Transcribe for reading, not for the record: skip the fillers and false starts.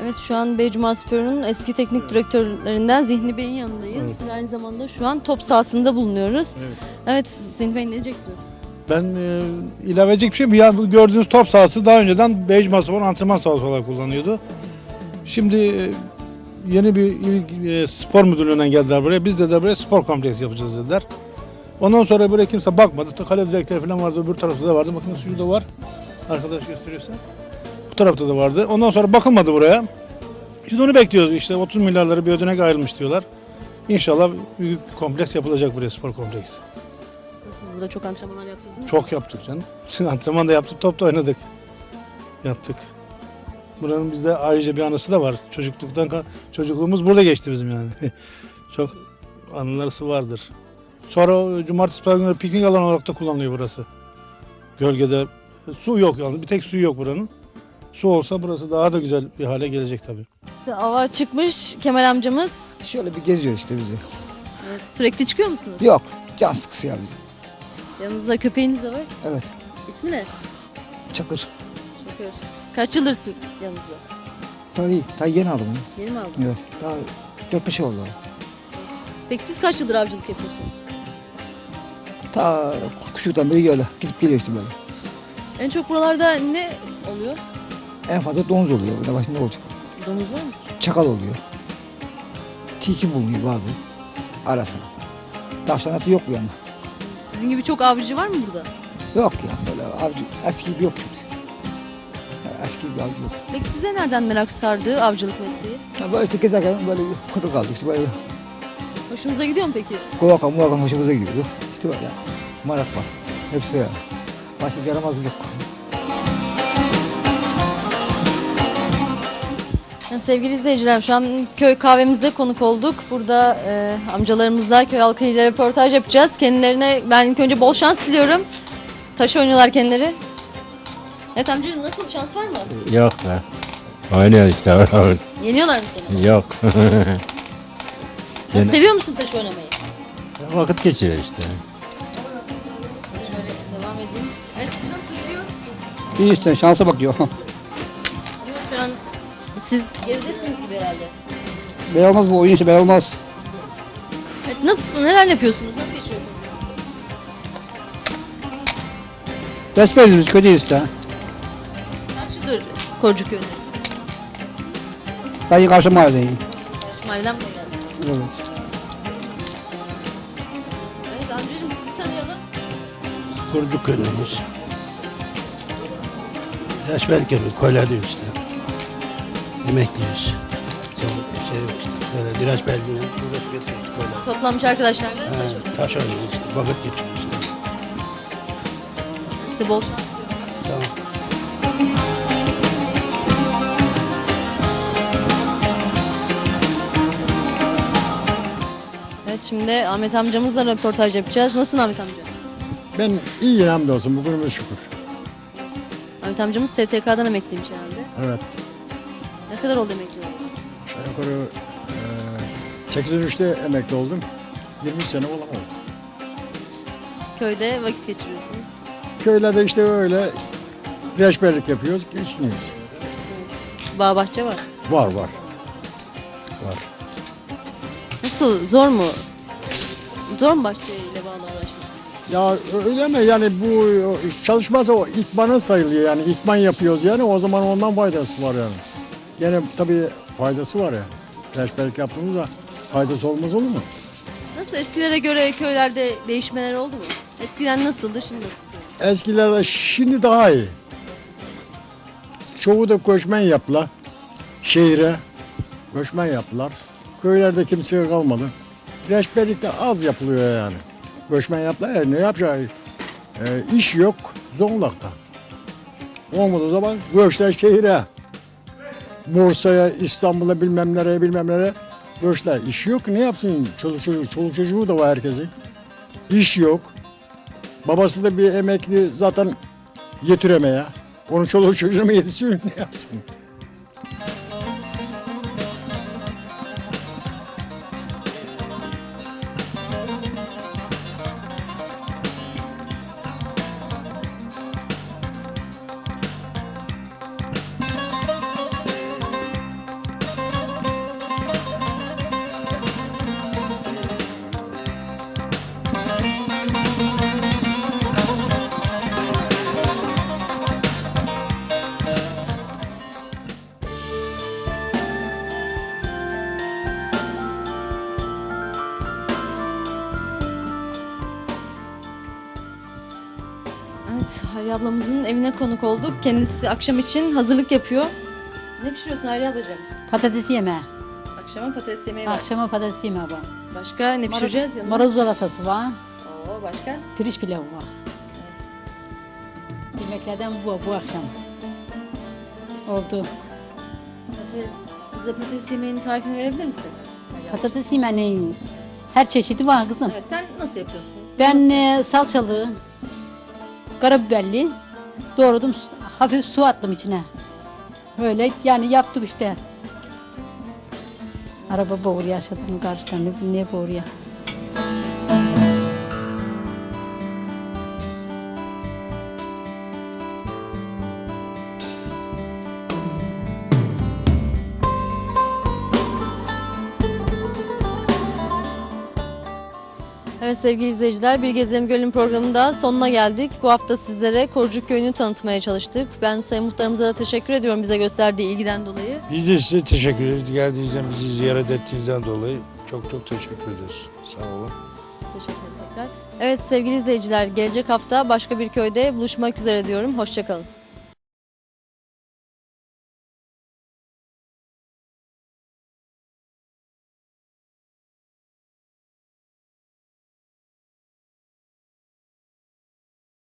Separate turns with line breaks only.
Evet, şu an Beycumaspor'un eski teknik direktörlerinden Zihni Bey'in yanındayız.
Evet.
Biz aynı zamanda şu an top sahasında bulunuyoruz.
Evet.
Evet, Zihni Bey ne diyeceksiniz?
Ben ilave edecek bir şey mi? Ya bu gördüğünüz top sahası daha önceden Beycumaspor antrenman sahası olarak kullanıyordu. Şimdi yeni bir spor müdürlüğünden geldiler buraya. Biz de buraya spor kompleksi yapacağız dediler. Ondan sonra buraya kimse bakmadı. Kale direkleri falan vardı. Öbür tarafta da vardı. Bakın şurada var. Arkadaş gösteriyorsa. Bu tarafta da vardı. Ondan sonra bakılmadı buraya. Şimdi onu bekliyoruz. İşte 30 milyarları bir ödenek ayrılmış diyorlar. İnşallah büyük bir kompleks yapılacak buraya, spor kompleksi.
Nasıl, burada çok antrenmanlar yaptınız mı?
Çok yaptık canım. Antrenman da yaptık, top da oynadık. Yaptık. Buranın bizde ayrıca bir anısı da var. Çocukluğumuz burada geçti bizim yani. Çok anıları vardır. Sonra cumartesi pazar günleri piknik alanı olarak da kullanılıyor burası. Gölgede su yok yani. Bir tek suyu yok buranın. Su olsa burası daha da güzel bir hale gelecek tabii.
Ava çıkmış Kemal amcamız.
Şöyle bir geziyor işte bizi.
Evet, sürekli çıkıyor musunuz?
Yok, can sıkısı yani.
Yanınızda köpeğiniz de var.
Evet,
İsmi ne?
Çakır.
Şoför. Kaç yıldır yanınızda?
Tabii yeni aldım onu.
Yeni mi aldın?
Evet, daha 4-5 ay oldu.
Peki siz kaç yıldır avcılık yapıyorsunuz?
Ta kuşluktan beri öyle gidip geliyor işte böyle.
En çok buralarda ne oluyor?
En fazla domuz oluyor, burada başında olacak.
Domuz var mı?
Çakal oluyor. Tilki bulunuyor bazı. Ara sıra. Tavşan atı yok bu yana.
Sizin gibi çok avcı var mı burada?
Yok ya böyle avcı, eski gibi yok. Yani eski bir avcı yok.
Peki size nereden merak sardı avcılık mesleği?
Ya böyle işte gezerken böyle kuru kaldık işte böyle
Hoşunuza gidiyor mu peki?
kovakan muvakan hoşumuza gidiyor. İşte böyle marak var. Hepsi öyle. Başka bir yaramazlık yok.
Sevgili izleyiciler, şu an köy kahvemize konuk olduk. Burada amcalarımızla köy halkıyla röportaj yapacağız. Kendilerine ben ilk önce bol şans diliyorum. Taş oynuyorlar kendileri. Evet amca, nasıl, şans var mı?
Yok be. Oynuyor işte.
Yeniyorlar mı seni?
Yok.
Nasıl, seviyor musun taş oynamayı?
Vakit geçiriyor işte.
Şöyle devam edeyim. Evet, siz nasıl gidiyor?
İyi işte şansa bakıyor.
Ama şu an siz geridesiniz gibi herhalde.
Ben olmaz bu oyun işte ben olmaz.
Evet, nasıl, neler yapıyorsunuz? Nasıl geçiyorsunuz?
Besbelliyiz biz köydeyiz işte.
Kaç yıldır Korcuköy'de?
Ben karşı mahalledeyim.
Karşı mahalleden buraya geldiniz.
Evet.
Evet amcacığım, sizi tanıyalım.
Kurdu köyümüz. Yaş belki mi? Koyladıyız işte. Emekliyiz. Şey yok işte. Böyle biraz belgine uğraş getiriyoruz koylar.
Toplanmış arkadaşlarla taş oynuyoruz.
Taş oynuyoruz işte. Vakit geçiriyoruz işte.
Size bol şans diliyorum.
Sağ ol.
Evet, şimdi Ahmet amcamızla röportaj yapacağız. Nasılsın Ahmet amca?
Ben iyiyim hamdolsun bugünümüz şükür.
Ahmet amcamız STK'dan emekliymiş herhalde.
Evet.
Ne kadar oldu emekli olalı?
Aşağı yukarı 83'te emekli oldum. 23 sene olan oldu.
Köyde vakit geçiriyorsunuz.
Köylerde işte öyle reçberlik yapıyoruz, geçiniyoruz.
Bağ bahçe var.
Var var. Var.
Nasıl, zor mu? Zor mu bahçeyle bağlı uğraşmak?
Ya öyle mi? Yani bu çalışmazsa o ikmanın sayılıyor yani. İkman yapıyoruz yani o zaman ondan faydası var yani. Gene tabii faydası var ya. Reçberlik yaptığımızda faydası olmaz olur mu?
Nasıl, eskilere göre köylerde değişmeler oldu mu? Eskiden nasıldı, şimdi nasıl?
Eskilerde şimdi daha iyi. Çoğu da göçmen yaptılar. Şehire göçmen yaptılar. Köylerde kimse kalmadı. Reçberlik de az yapılıyor yani. Göçmen yaptılar ya ne yapacağı? İş yok Zonguldak'ta. Olmadığı zaman göçler şehire. Bursa'ya, İstanbul'a bilmem nereye göçler. İş yok ne yapsın? Çoluk çocuğu da var herkesin. İş yok. Babası da bir emekli zaten yetiremeye. Onun çoluğu çocuğuna mı yetişiyor ne yapsın?
Hayriye ablamızın evine konuk olduk. Kendisi akşam için hazırlık yapıyor. Ne pişiriyorsun Hayriye ablacığım?
Patates yemeği.
Akşama patates yemeği var.
Akşama patates yemeği var.
Başka ne pişireceğiz yanına?
Marul salatası var.
Oo, başka?
Pirinç pilavı var. Yemeklerden bu akşam. Oldu.
Bize patates yemeğinin tarifini verebilir misin?
Patates yemeğinin her çeşidi var kızım.
Evet, sen nasıl yapıyorsun?
Ben salçalı, karabiberli doğradım. Hafif su attım içine. Öyle yani yaptık işte. Araba boğuruyor aşağıdan karşıdan. Ne boğuruyor?
Evet sevgili izleyiciler, Bir Gezelim Gölün programında sonuna geldik. Bu hafta sizlere Korucuk Köyü'nü tanıtmaya çalıştık. Ben Sayın Muhtarımıza da teşekkür ediyorum bize gösterdiği ilgiden dolayı.
Biz de size teşekkür ederiz. Geldiğinizden, bizi ziyaret ettiğinizden dolayı çok teşekkür ederiz. Sağ olun.
Teşekkür ederiz tekrar. Evet sevgili izleyiciler, gelecek hafta başka bir köyde buluşmak üzere diyorum. Hoşça kalın.